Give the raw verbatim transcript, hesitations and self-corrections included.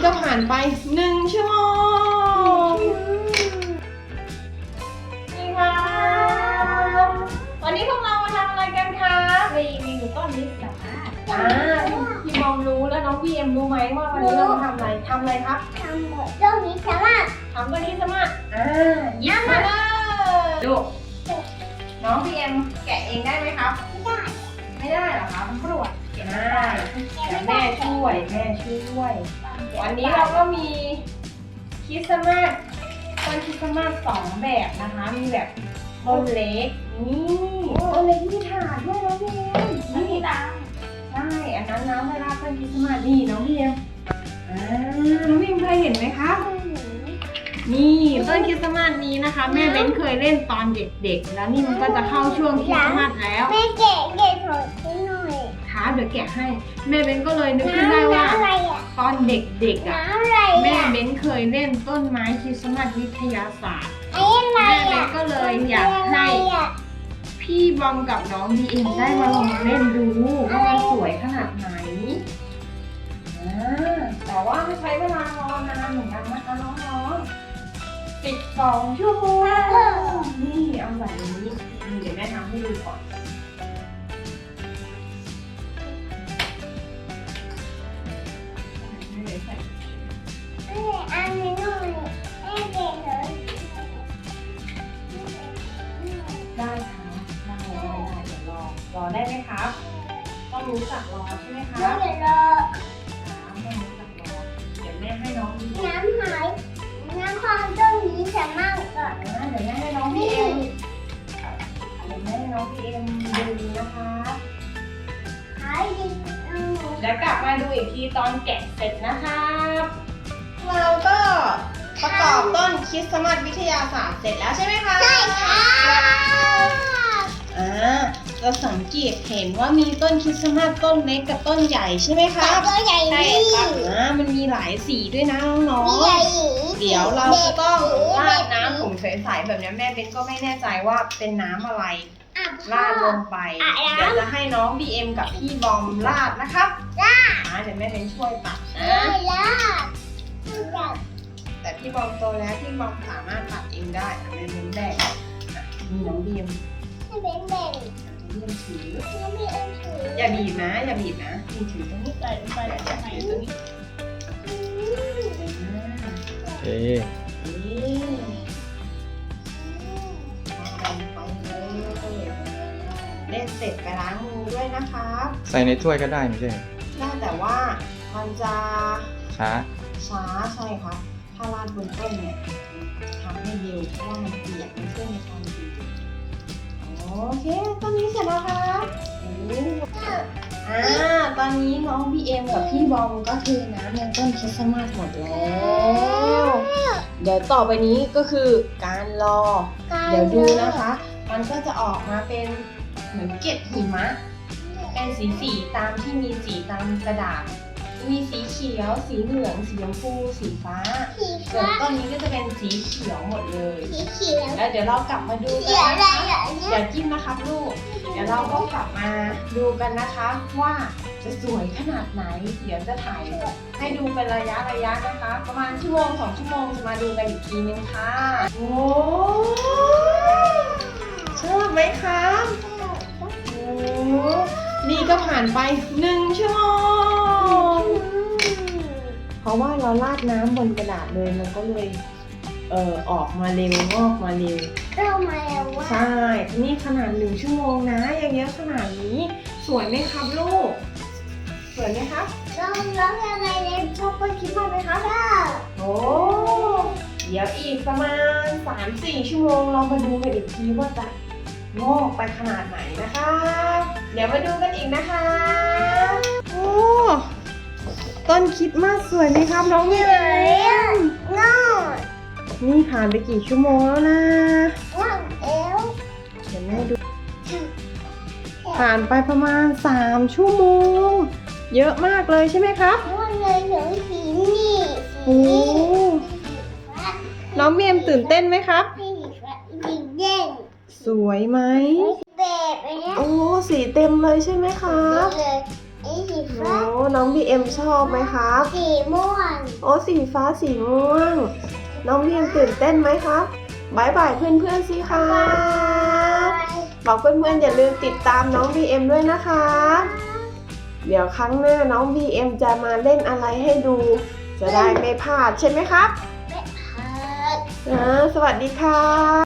ก็ผ่านไปหนึ่งชั่วโมงนี่ค่ะวันนี้พวกเรามาทำอะไรกันคะรีวิวต้นลิสาอ่าพี่มอมรู้แล้วน้องพี่เอ็มรู้ไหมว่าวันนี้เรามาทำอะไรทำอะไรครับทำหมดต้นลิสาทำต้นลิสาอ่ายิ้มมาเลยดูน้องพี่เอ็มแกะเองได้ไหมครับไม่ได้หรอครับปวดแกะได้แต่แม่ช่วยแม่ช่วยวันนี้เราก็มีคริสต์มาสต้นคริสต์มาสสองแบบนะคะมีแบบต้นเล็กนี่ต้นเล็กที่ถาดด้วยน้องพี่เอ็มนี่ดังใช่อันนั้นน้ำเวลาต้นคริสต์มาสนี่น้องพี่เอ็มอ่าน้องพี่เอ็มเคยเห็นไหมคะนี่ต้นคริสต์มาสนี้นะคะแม่เบ้นเคยเล่นตอนเด็กๆแล้วนี่มันก็จะเข้าช่วงคริสต์มาสแล้วแม่แกะแกะถอดให้หน่อยค่ะเดี๋ยวแกะให้แม่เบ้นก็เลยนึกขึ้นได้ว่าตอนเด็กๆอ่ะแม่เบ้นเคยเล่นต้นไม้คริสต์มาสวิทยาศาสตร์แม่เบ้นก็เลยอยากให้พี่บอมกับน้องบีเอ็มได้มาลองเล่นดูว่ามันสวยขนาดไหนแต่ว่าไม่ใช้เวลารอนานเหมือนกันนะคะน้องๆสิบสองชั่วโมงนี่เอาแบบนี้เดี๋ยวแม่ทำให้ดูก่อนอันนี้หน่อยแม่แกะเลยได้ค่ะได้ได้ได้เดี๋ยวรอรอได้ไหมครับต้องรู้จักรอใช่ไหมคะเดี๋ยวรอต้องรู้จักรอเดี๋ยวแม่ให้น้องดูน้ำหายน้ำความต้นลิสามากก่อนเดี๋ยวแม่ให้น้องพี่เอ็มเดี๋ยวแม่ให้น้องพี่เอ็มดูนะคะหายดีเดี๋ยวกลับมาดูอีกทีตอนแกะเสร็จนะคะเราก็ประกอบต้นคริสต์มาสวิทยาศาสตร์เสร็จแล้วใช่ไหมคะใช่ค่ะอ่าเราสังเกตเห็นว่ามีต้นคริสต์มาสต้นเล็กกับต้นใหญ่ใช่ไหมคะตัวใหญ่ใช่นี่ครับอ่ามันมีหลายสีด้วยนะน้องใหญ่ๆเดี๋ยวเราจะต้องราดน้ำถุงใสๆแบบนี้แม่เบนก็ไม่แน่ใจว่าเป็นน้ำอะไรราดลงไปเดี๋ยวจะให้น้องบีเอ็มกับพี่บอมราดนะครับอ่าเดี๋ยวแม่เบนช่วยตัดนะ แต่พี่บอมโตแล้วพี่บอมสามารถตัดเองได้แม่เบนแบกมีน้องบีเอ็มให้เป็นแบ่งบีเอ็มถือแล้วมีอันถืออย่าบีบนะอย่าบีบนะบีถือตรงนี้ใส่ลงไปอย่าแล้วถือตรงนี้เอ๊ะนี่ลงไปเลยเล่นเสร็จไปล้างมือด้วยนะคะใส่ในถ้วยก็ได้ไม่ใช่ได้แต่ว่ามันจะช้าช้าใช่ครับถ้าราดบนต้นเนี่ยทำให้เร็วเพราะว่ามันเปียกมันช่วยในการบีบโอเคตอนนี้เสร็จแล้วครับอ่าตอนนี้น้องบีเอ็มกับพี่บอมก็เทน้ำในต้นคริสต์มาสหมดแล้วเดี๋ยวต่อไปนี้ก็คือการรอเดี๋ยวดูนะคะ มันก็จะออกมาเป็นเหมือนเกล็ดหิมะเป็นสีสีตามที่มีสีตามกระดาษมีสีเขียวสีเหลืองสีชมพูสีฟ้าส่วนต้นนี้ก็จะเป็นสีเขียวหมดเลยสีเขียวแล้วเดี๋ยวเรากลับมาดูกันเขียวนะอะไรคะอ่ะเนี่ยอย่าจิ้มนะครับลูกเดี๋ยวเราก็กลับมาดูกันนะคะว่าจะสวยขนาดไหนเดี๋ยวจะถ่ายให้ดูเป็นระยะระยะนะคะ ประมาณชั่วโมงสองชั่วโมงจะมาดูกันอีกทีนึงค่ะโอ้ชอบไหมคะโอ้นี่ก็ผ่านไปหนึ่งชั่วโมงเพราะว่าเราราดน้ำบนกระดาษเลยมันก็เลยเอ่อออกมาเร็วงอกมาเร็วเรามาแล้วว่าใช่ นี่ขนาดหนึ่งชั่วโมงนะยังเยอะขนาดนี้ สวยไหมครับลูก สวยไหมครับเราเราอะไรเนี่ยชอบต้นคริสต์มาสไหมครับก็โอ้ เดี๋ยวอีกประมาณ สามถึงสี่ ชั่วโมงเรามาดูกันอีกทีว่าจะงอกไปขนาดไหนนะคะ เดี๋ยวมาดูกันอีกนะคะ โอ้ ต้นคริสต์มาสสวยไหมครับน้องเมย์งอนี่ผ่านไปกี่ชั่วโมงแล้วนะงอเอวเดี๋ยวแม่ดู ผ่านไปประมาณสามชั่วโมง เยอะมากเลยใช่ไหมครับงอเลยถึงสีนี่โอ้น้องเมียมตื่นเต้นไหมครับสีสีแดงสวยไหมแบบนี้โอ้สีเต็มเลยใช่ไหมครับเลยอีสีโอ้ฟ้าน้องบีเอ็มชอบไหมครับสีม่วงโอ้สีฟ้าสีม่วง น้องบีเอ็มตื่นเต้นไหมครับบายบายเพื่อนๆสิครับบอกเพื่อนๆอย่าลืมติดตามน้องบีเอ็มด้วยนะคะเดี๋ยวครั้งหน้าน้องบีเอ็มจะมาเล่นอะไรให้ดู จะได้ไม่พลาดใช่ไหมครับไม่เพิดอ่าสวัสดีค่ะ